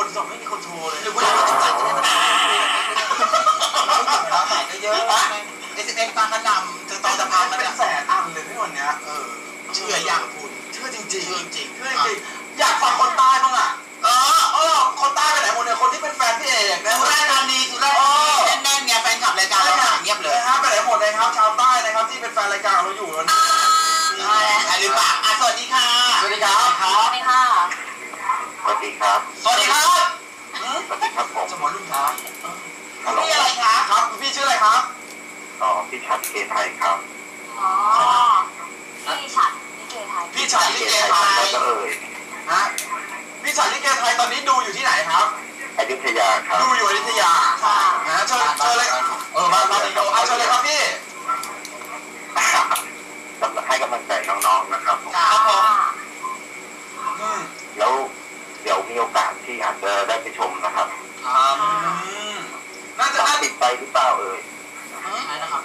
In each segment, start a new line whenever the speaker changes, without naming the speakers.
คนสอบไม่มีคนโชว์เลย
หรือว่าเราจะจ่ายจะได้ไม่ได้เราใส่ก็เยอะSMS ตามกระนำถึงตอนจะพามัน
เป็นแสนอันเลยพี่วันเนี้ย
เชื่ออย่างคุณ
เชื่อจริงๆเชื่อจริง
ๆ
อยากฟังคนใต้บ้างอ่ะคนใต้ไปไหนหมดเนี่ยคนที่เป็นแฟนพี่เอก
สุราษฎร์ธานีแน่นๆไงแฟนคลับรายการเราเงียบเลย
นะครับไปไหนหมดเลยครับชาวใต้นะครับที่เป็นแฟนรายการเราอยู่วันนี้
ใช่หรือเปล่าสวัสดีค่ะ
สวัสดีครับ
สวัสดีค่ะ
สวัสดีครับ
สวัสดีครับ
สวัสดีครับผม
สมรรุ่นครับ
พี่อะไรคะ
ครับพี่ชื่ออะไรครับ
พี่ชัดเกไทยครับ
พี่ฉัดลิเกไทย
พี่ฉัดลิเกไทยฮะพี่ฉัดลิเกไทยตอนนี้ดูอยู่ที่ไหนครับ
อยุธยาครับ
ดูอยู่อยุธยาเชิญเลยมาดีโดเชิญเลยครับพี่
ให้กำลังใจน้องๆนะครับแล้วเดี๋ยวมีโอกาสที่อาจจะได้ไปชมนะครับ
น่าจะ
ติดไปหรือเปล่า
ใช่นะครับ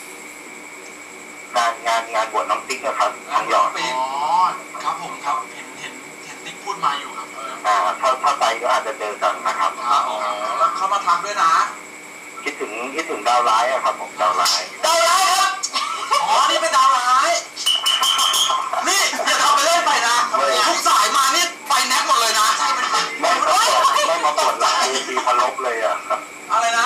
งานบวชน้องติ๊กนะครับน้องหยอด
ครับผมครับเห็นติ๊กพูดมาอยู่ครับ
ถ้าไปก็อาจจะเจอกันนะครับ
แล้วเขามาทักด้วยนะ
คิดถึงดาวร้ายอะครับผมดาวร้าย
ครับนี่เป็นดาวร้ายนี่อย่าทำไปเล่นไปนะทุกสายมานี่ไปแน็กหมดเลยนะใช่เป็น
ไม่มาปวดหลังเวทีพลบเลยอะ
อะไรนะ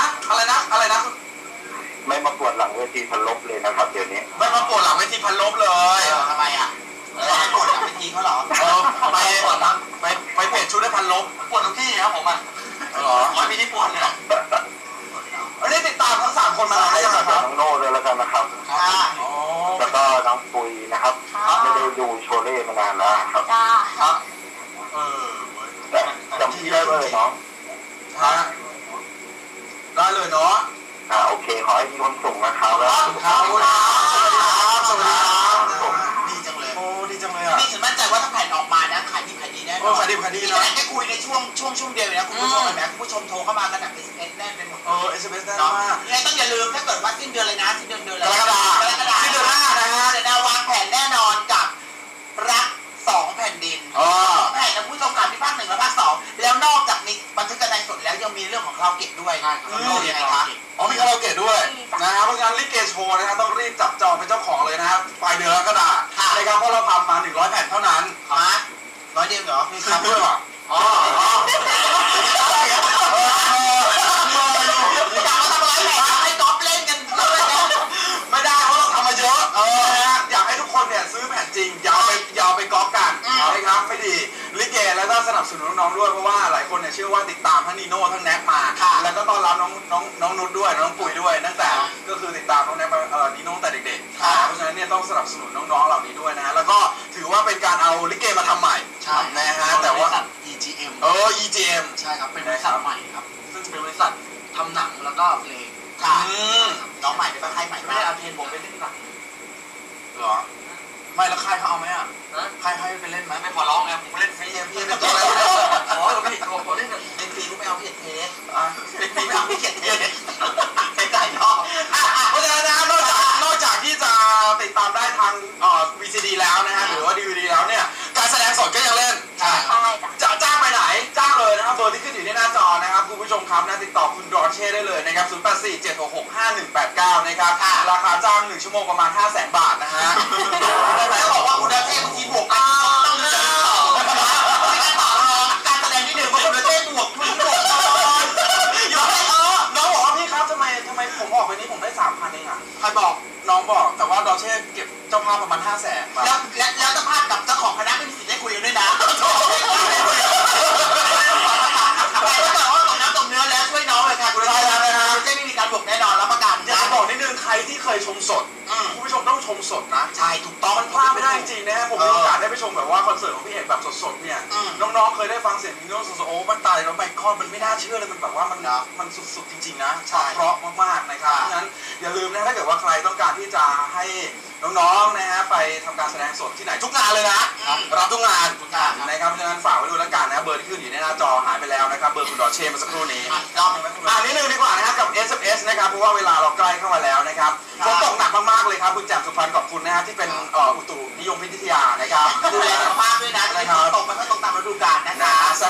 ไม่มาปวดหลังเวทีพลบเลยนะครับเดี๋ยวนี้
ไม่มาปวดหลังเวทีพลบเลย
ทำไมอ่ะไม่ปวดหลังเวทีเขาเหรอ
ไปเปลี่ยนชุดได้พันลบปวดทุกที่ครับผม
ไม่มีที่ปวดเลย
อันนี้ติดตามทั้ง3คนมาแล้ว
ครับน้องโน่ด้วยแล้วกันนะครับแล้วก็น้องปุยนะครับไม่ได้ดูโชเล่มานานแล้วครับ
ครับ
จำที่ได้เลยน้อง
ได้เลยเนาะ
โอเคขอให้มีความสุขนะครับ
แล้วครับสวัสดีครับ
ดีจังเลย
ดีจังเลยอ่ะ
นี่ฉันมั่นใจว่าถ้าแผ่นออกมานะขายดีแน่นอน
ขายดี
นะแค่คุยในช่วงเดียวนะคุณผู้ชมเห็นไหมคุณผู้ชมโทรเข้ามากันหนัก SMS แน่นไปหมด
SMS แน่นมาก
ยังไงต้องอย่าลืมถ้าเกิดว่าสิ้นเดือนเลยนะสิ้นเดือน
กรกฎาคมสิ้นเดือนหน้านะฮะ
เดี๋ยวเราวางแผนแน่นอนกับรัก2แผ่นดินแผ่นนะผู้ชมการที่ภาค1และภาค2แล้วนอกจากมีบันทึกการแสดงสดแล้วยังมีเรื่องของคาราโอเกะด้วยยังไงคะ
มีคาราโอเกะด้วยนะครับเพราะฉะนั้นลิเกโชว์นะครับต้องรีบจับจองเป็นเจ้าของเลยนะครับปลายเดือนกรกฎาคมนะครับเพราะเราทำมา100แผ่นเท่านั้น
100เดียวเหรอ
มีครับด้วยเหรอ
ให้ก๊อฟเล่นกัน
ไม่ได้เพราะเราทำมาเยอะอยากให้ทุกคนเนี่ยซื้อแผ่นจริงอย่าไปก๊อปกันนะครับไม่ดีลิเกแล้วก็สนับสนุนน้องๆด้วยเพราะว่าหลายคนเนี่ยเชื่อว่าติดตามทั้งนีโน่ทั้งแน็กมาแล้วก็ต้อนรับน้องนุชด้วยน้องปุ๋ยด้วยตั้งแต่ก็คือติดตามน้องแน็กนีโน่แต่เด็กๆเพราะฉะนั้นเนี่ยต้องสนับสนุนน้องๆเหล่านี้ด้วยนะแล้วก็ถือว่าเป็นการเอาลิเกมาทำใหม่นะฮะแต่ว่า
EGM
EGM
ใช่ครับเป็นบริษัทใหม่ครับซึ่งเป็นบริษัททำหนังแล้วก็เพลงน้องใหม่เป็นค่ายใหม่ไม่ได้เอาเพลงผมไปเล่นหนัง
เหรอไม่แล้วค่ายเขาเอาไหมอ่ะค่ายไปเล่นไหม
ไม่ขอร้องไงผมเล่นฟรีพี่เป็นตัวอะไรพี่ผมเล่นฟรีกูไม่เอาพี่เทสเป็นฟรีไม่เอาพี่เทสเป็นใจชอบ
เพราะฉะนั้นนะนอกจากที่จะติดตามได้ทางVCD แล้วนะฮะหรือว่า DVD แล้วเนี่ยการแสดงสดก็ยังเล่นจะจ้างไปไหนจ้างเลยนะครับเบอร์ที่ขึ้นอยู่ในหน้าจอนะครับคุณผู้ชมครับนะติดต่อคุณดอเช่ได้เลยนะครับ0847665189นะครับราคาจ้าง1ชั่วโมงประมาณ 500,000 บาทนะฮะ
แล้วบอกว่าคุณดอเช่บางทีบวกกันต้องมีการต่อมีการต่อรองการแสดงที่1ว่าคุณดอเช่บวกคุณบวก
อยู่ให้น้องบอกว่าพี่ครับทำไมผมออกไปนี้ผมได้ 3,000 เองอ่ะใครบอกน้องบอกแต่ว่าดอเช่เก็บเจ้าภาพประมาณ 500,000
แล้วเจ้าภาพกับเจ้าของคณะไม่มีสิทธิ์ได้คุยกันด้วยนะแต่ว่าตกน้ำตกเนื้อแล้วช่วยน้องเลยค่ะคุณดอเช่ไม่มีการบวกแน่นอนรับประกัน
อยากจะบอกนิดนึงใครที่เคยชมสดคุณผู้ชมต้องชมสดนะ
ใช่ถูกต้อง
มันพลาดไม่ได้จริงๆนะฮะผมมีโอกาสได้ไปชมแบบว่าคอนเสิร์ตของพี่เอกแบบสดๆเนี่ยน้องๆเคยได้ฟังเสียงนีโน่สดๆโอ้มันตายแล้วไมค์คอนมันไม่น่าเชื่อเลยมันแบบว่ามันสุดๆจริงๆนะเพราะมากๆนะครับเพราะฉะนั้นอย่าลืมนะถ้าเกิดว่าใครต้องการที่จะให้น้องๆนะฮะไปทำการแสดงสดที่ไหนทุกงานเลยนะรับทุกงานนะครับเพราะฉะนั้นฝากไว้ดูแล้วกันนะเบอร์ที่ขึ้นอยู่ในหน้าจอหายไปแล้วนะครับเบอร์คุณดอเช่มาสักครู่นี้นิดนึงดีกว่านะครับกับ SMS นะครับเพราะว่าเวลาเราใกล้เข้ามาแล้วนะครับฝนตกหนักมากๆเลยครับคุณแจ่มสุพรรณขอบคุณนะฮะที่เป็นอุตุนิยมวิทยานะครับ
ดูแลสุขภาพด้วยนะฝนตกมันก็ตกตามฤดูกาลนะคะ
สัก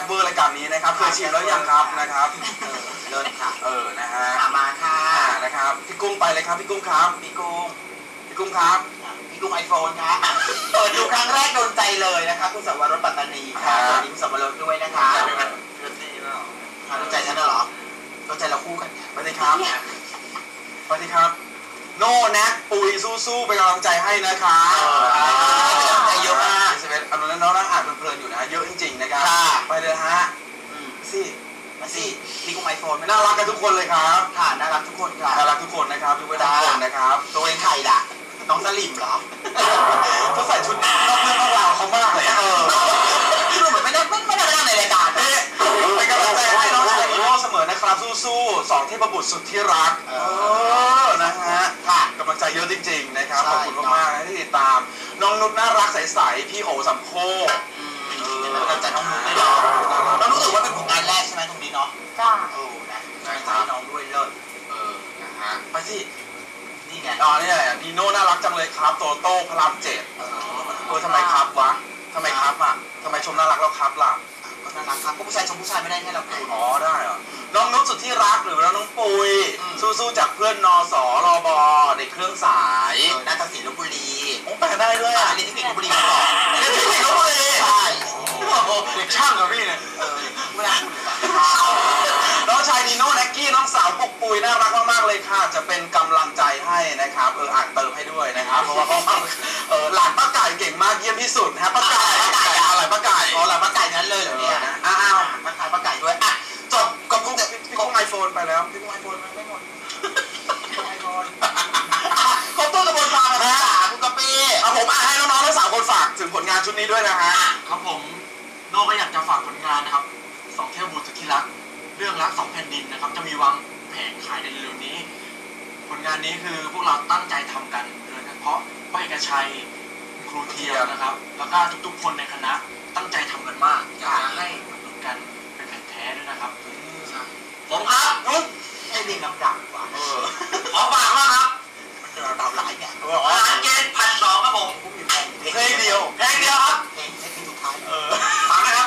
บเวอร์รายการนี้นะครับเคยชิมแล้วยังครับนะครับ
เลิศค่ะ
นะฮะ
มาค่ะ
นะครับพี่กุ้งไปเลยครับพี่กุ้งครับ
พี่กุ้ง
พี่กุ้งครับ
พี่กุ้งไอโฟนครับเปิดดูครั้งแรกโดนใจเลยนะคะคุณสวรสปัตตานีค่ะสวัสดีคุณสวรสด้วยนะคะ
เพื่อนตีแล้ว
โดนใจฉันเหรอโดนใจเราคู่กันค่ะ
สวัสดีครับสวัสดีครับโน่แน็กปุยสู้ๆเป็นกำลังใจให้นะคะเป็นกำลังใจเยอะมากอันนั้นน้องนั่งอ่านเพลินๆอยู่นะเยอะจริงๆนะครับไปเลยฮะสิ
มาสิพี่กุ้งไอโฟน
น่ารักกันทุกคนเลยครับ
ค่ะน่ารักทุกคนค่ะ
น่ารักทุกคนนะครับทุกคนนะครับ
ตัวเองใครล่ะน้องสลิมเหรอ
เขาใส่ชุดนอกเรื่องนอกราวเขามากเลย
ดูเหมือนไม่ได้นั่งในรายการนะ
เป็นกำลังใจให้น้องชายอีโน่เสมอนะครับสู้ๆ2เทพบุตรสุดที่รักนะฮะกำลังใจเยอะจริงๆนะครับขอบคุณมากๆนะที่ติดตามน้องนุชน่ารักใสๆพี่โอสัมโค
กำลังใจน้องนุชด้วยเนาะเรารู้สึกว่าเป็นผลงานแรกใช่ไหมตรงนี้เนาะ
จ้า
นะกำลังใจน้องด้วยเลิศ
นะฮะไปสิ
นี่ไง
นี่แหละนีโน่น่ารักจังเลยครับโตโต้พระราม7ทำไมครับวะทำไมครับอ่ะทำไมชมน่ารักแล้วครับล่ะ
ก็น่ารักครับก็ผู้ชายชมผู้ชายไม่ได้ให้เราคุย
ได้เหรอน้องนุชสุดที่รักหรือน้องปุยสู้ๆจากเพื่อนนสรบในเครื่องสาย
นาฏศิลป์ลพบุรี
แปลได้ด้วย
เรียนที่ลพบุรีมาก่อน
เรียนที่ลพบุรี
ใช่
เด็กช่างเหรอพี่เนี่ย
ไม่ได้พูดเลย
น้องชายนีโน่แน็กกี้น้องสาวปุกปุยน่ารักมากๆเลยค่ะจะเป็นกำลังใจให้นะครับอ่านเติมให้ด้วยนะครับเพราะว่าเขาหลานป้าไก่เก่งมากเยี่ยมที่สุดฮะป้าไก่อะไรป้าไก่
หลานป้าไก่นั้นเลยเหรอเนี่ยป้าไก่ด้วยจบกับพี่กุ้งไอโฟนไปแล้วพี่กุ้งไอโฟนมันไม่หมดไอโฟนครบต้นกระบวนการนะคุณกะปิ
ผมให้น้องๆทั้ง3 คนฝากถึงผลงานชุดนี้ด้วยนะฮะ
ครับผมโน่ก็อยากจะฝากผลงานนะครับ2เทพบุตรสุดที่รักเรื่องรัก2แผ่นดินนะครับจะมีวางแผงขายในเร็วๆนี้ผลงานนี้คือพวกเราตั้งใจทำกันโดยเฉพาะพ่อเอกชัยครูเทียมนะครับแล้วก็ทุกๆคนในคณะตั้งใจทำกันมากอยากจะให้อุดหนุนกันเป็นแผ่นแท้ด้วยนะครับ
ผมครับนุ๊กให้ลิงลำดับว่ะ
ขอฝากว่าครับ
มันเราหลายเนี่ย
อาหารเกณฑ์1,200ครับผม
เพลงเดียว
ครับเพลงสุดท้าย
ฝากนะครับ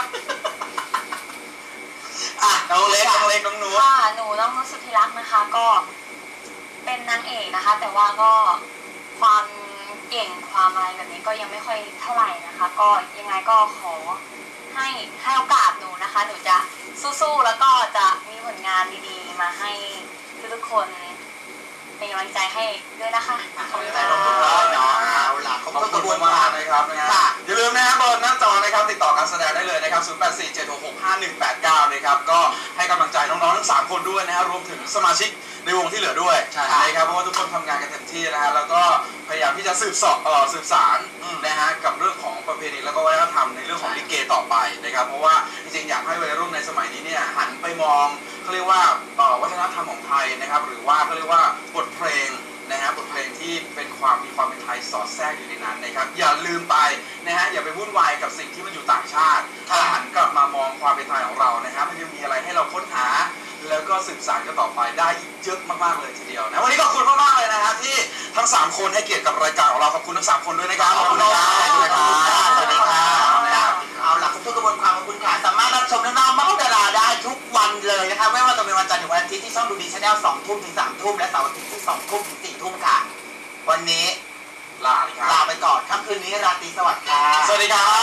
น้องเล็กน้องนุ๊ก
ค่ะหนูน้องนุชสุธิรักนะคะก็เป็นนางเอกนะคะแต่ว่าก็ความเก่งความอะไรแบบนี้ก็ยังไม่ค่อยเท่าไหร่นะคะก็ยังไงก็ขอให้โอกาสหนูนะคะหนูจะสู้ๆแล้วก็จะมีผลงานดีๆมาให้ทุกๆคนเป็นกำลังใจให้ด้วยนะคะ
ขอบคุณใจน้องนุ๊กด้วยเนาะเอาล่ะขอบคุณมาก
นะครับอย่าลืมนะครับเบอร์หน้าจอนะครับติดต่อการแสดงได้เลยนะครับ0847665189นะครับก็ให้กำลังใจน้องๆทั้ง3 คนด้วยนะฮะรวมถึงสมาชิกในวงที่เหลือด้วยนะครับเพราะว่าทุกคนทำงานกันเต็มที่นะฮะแล้วก็พยายามที่จะสืบสารนะฮะกับเรื่องของประเพณีแล้วก็วัฒนธรรมในเรื่องของลิเกต่อไปนะครับเพราะว่าจริงๆอยากให้วัยรุ่นในสมัยนี้เนี่ยหันไปมองเขาเรียกว่าวัฒนธรรมของไทยนะครับหรือว่าเขาเรียกว่าบทเพลงนะฮะบทเพลงที่เป็นมีความเป็นไทยสอดแทรกอยู่ในนั้นนะครับอย่าลืมไปนะฮะอย่าไปวุ่นวายกับสิ่งที่มันอยู่ต่างชาติหันกลับมามองความเป็นไทยของเรานะครับมันยังมีอะไรให้เราค้นหาแล้วก็สืบสานกันต่อไปได้อีกเยอะมากๆเลยทีเดียวนะวันนี้ขอบคุณมากๆเลยนะฮะที่ทั้ง3 คนให้เกียรติกับรายการของเราขอบคุณทั้ง3 คนด้วยนะครับขอบคุณครับ
สวัสดีครับเอาล่ะทุกกระบวนความขอบคุณค่ะสามารถรับชมน้องๆเมาส์ดาราได้ทุกวันเลยนะคะไม่ว่าจะเป็นวันจันทร์ถึงวันอาทิตย์ที่ช่องดูดีชาแนล2 ทุ่มถึง3 ทุ่มและเสาร์อาทิตย์ที่2 ทุ่มถึง4 ทุ่มค่ะวันนี้
ลา
ไปก่อนค่ำคืนนี้ราตรีสวัสดิ์ค่ะ
สวัสดีครับ